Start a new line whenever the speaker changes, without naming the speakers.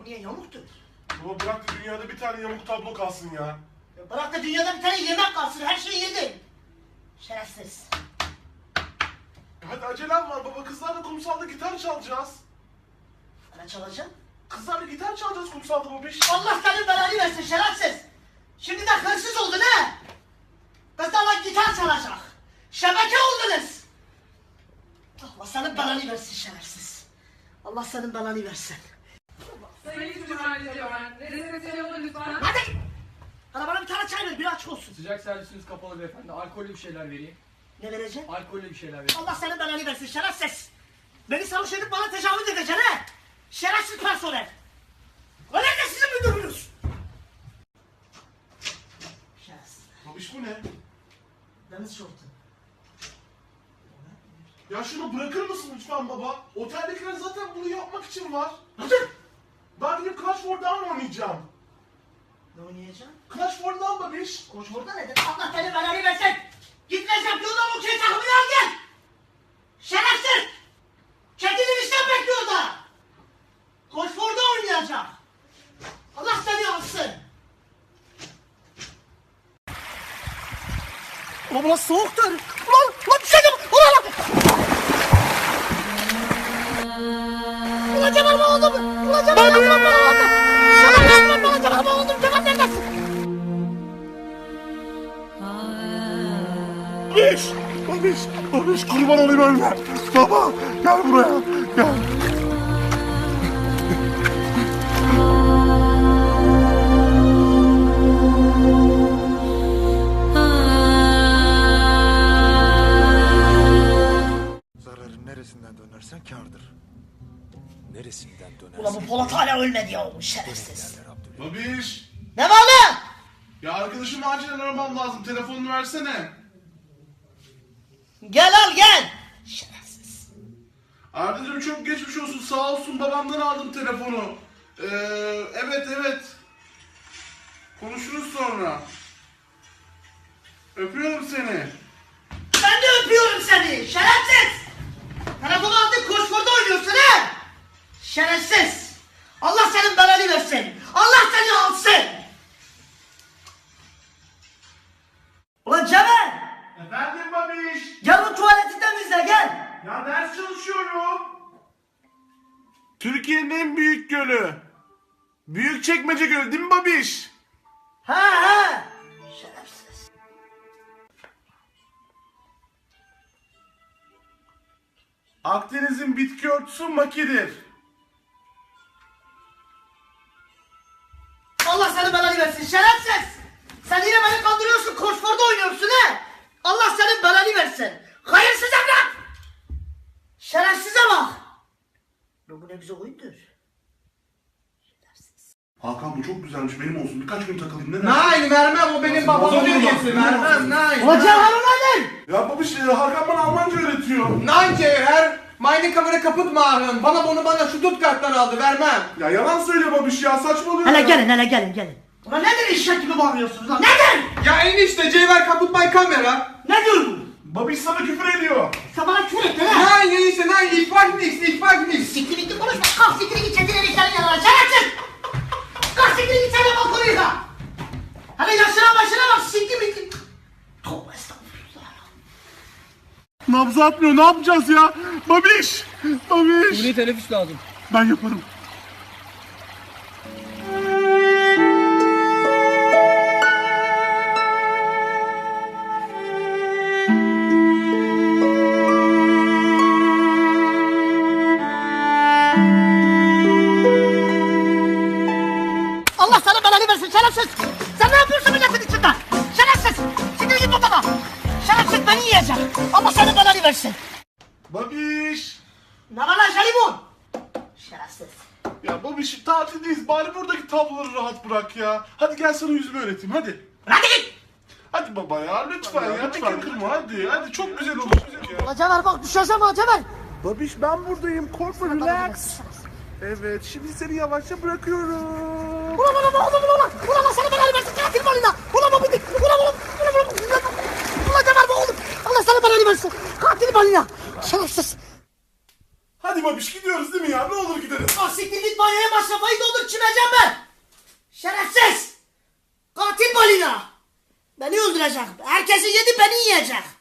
Bu niye yamuktur?
Baba bırak da dünyada bir tane yamuk tablo kalsın ya.
Ya bırak da dünyada bir tane yemek kalsın, her şeyi yedin. Şerefsiz.
Hadi acelem var baba, kızlarla kumsalda gitar çalacağız.
Ne çalacaksın?
Kızlarla gitar çalacağız kumsalda babiş.
Allah senin belanı versin şerefsiz. Şimdi de hırsız oldun he. Kızlarla gitar çalacak. Şebeke oldunuz. Allah senin belanı versin şerefsiz. Allah senin belanı versin.
Sayın Cumhurbaşkanı, rezervasyon olun lütfen.
Hadi. Hadi bana bir tane çay ver, bir aç olsun.
Sıcak servisiniz kapalı beyefendi. Alkollü bir şeyler vereyim.
Ne vereceksin?
Alkollü bir şeyler vereyim.
Allah senin belanı versin şerefsiz. Beni sarhoş edip bana tecavüz edeceksin he. Şerefsiz personel. O nerede sizin müdürünüz? Şerefsiz.
Babiş bu ne?
Deniz şortu.
Ya şunu bırakır mısın lütfen baba? Oteldekiler zaten bunu yapmak için var.
Hadi.
Ben gidip Clash for Dawn oynayacağım.
Ne oynayacaksın?
Clash for Dawn babiş.
Koç orada nedir? Allah seni belanı versin. Git resepsiyondan okey takımını al gel. Şerefsiz. Kendini işten bekliyor da. Koç orada oynayacak. Allah seni alsın. Ulan burası soğuktur. Ulan düşeceğim. Ulan Cemal mı oldu mu? Ulan Cemal yapma bana oldu. Cemal yapma bana Cemal mı oldu? Cemal neredesin?
Babiş kurban olayım ölme. Baba gel buraya gel.
Zararın neresinden dönersen kârdır. Neresinden dönersen...
Ulan bu Polat hala ölmedi ya oğlum şerefsiz.
derler Abdülhamid.
Babiş.
Ne var lan?
Ya arkadaşım acilen aramam lazım. Telefonunu versene.
Gel al gel. Şerefsiz.
Ardacığım çok geçmiş olsun. Sağ olsun babamdan aldım telefonu. Evet. Konuşuruz sonra. Öpüyorum seni.
Ben de öpüyorum seni şerefsiz. Telefonu aldın koşkorda oynuyorsun he. Şerefsiz. Allah senin belanı versin. Allah seni alsın. Ulan Cemal.
Efendim babiş.
Gel o tuvaleti temizle gel.
Ya ders çalışıyorum. Türkiye'nin en büyük gölü. Büyükçekmece Gölü değil mi babiş?
Ha. Şerefsiz.
Akdeniz'in bitki örtüsü makidir.
Allah senin belanı versin şerefsiz. Sen yine beni kandırıyorsun koşkorda oynuyorsun he. Allah senin belanı versin. Hayırsız evlat. Şerefsize bak. Bu ne güzel oyundur.
Hakan bu çok güzelmiş, benim olsun. Birkaç gün takılayım, ne dersin?
Nein vermem, o benim babamın hediyesi, vermem, nein.
Ulan Cevher nedir?
Ya babiş, Hakan bana Almanca öğretiyor.
Nein Cevher, meine Kamera kaputt machen. Bana şu Stuttgart'tan aldı, vermem.
Ya yalan söyle babiş ya, saçmalıyor ya.
Hele gelin. Ulan nedir eşek gibi bağırıyorsunuz lan nedir?
Ya enişte Cevher kaputt my kamera.
Ne diyor bu?
Babiş sana küfür ediyor.
Sen bana küfür ettin ha?
Nein enişte, nein, ich weiß nichts.
Siktir bitti konuşma. Kalk siktir git kendine erişlerin yanına. Şerefsiz. Kalk siktir git sen de bak konuya. Hele yaşına başına bak siktir bitti. Tövbe estağfurullah.
Nabzı atmıyor, ne yapacağız ya? Babiş.
Burayı teneffüs lazım.
Ben yaparım.
Allah sana belanı versin şerefsiz. Sen ne yapıyorsun milletin içinde? Şerefsiz. Siktir git babana. Şerefsiz beni yiyecek. Allah sana belanı versin.
Babiş.
Ne var lan jelibon? Şerefsiz.
Ya babiş, tatildeyiz, bari buradaki tabloları rahat bırak ya. Hadi gel sana yüzümü öğreteyim, hadi.
Hadi git.
Hadi baba ya, lütfen kırma, hadi çok güzel olacak ya.
Ulan Cemal bak düşeceğim ha Cemal.
Babiş ben buradayım, korkma, relax. Evet, şimdi seni yavaşça bırakıyorum.
Ulan Allah sana belanı versin katil balina. Ulan Cemal bu oğlum. Allah sana belanı versin. Katil balina. Şerefsiz.
Hadi babiş gidiyoruz değil mi ya? Ne olur gidelim.
Ah siktir git banyoya masrafayı doldur düşüneceğim ben. Şerefsiz. Katil balina. Beni öldürecek. Herkesi yedi beni yiyecek.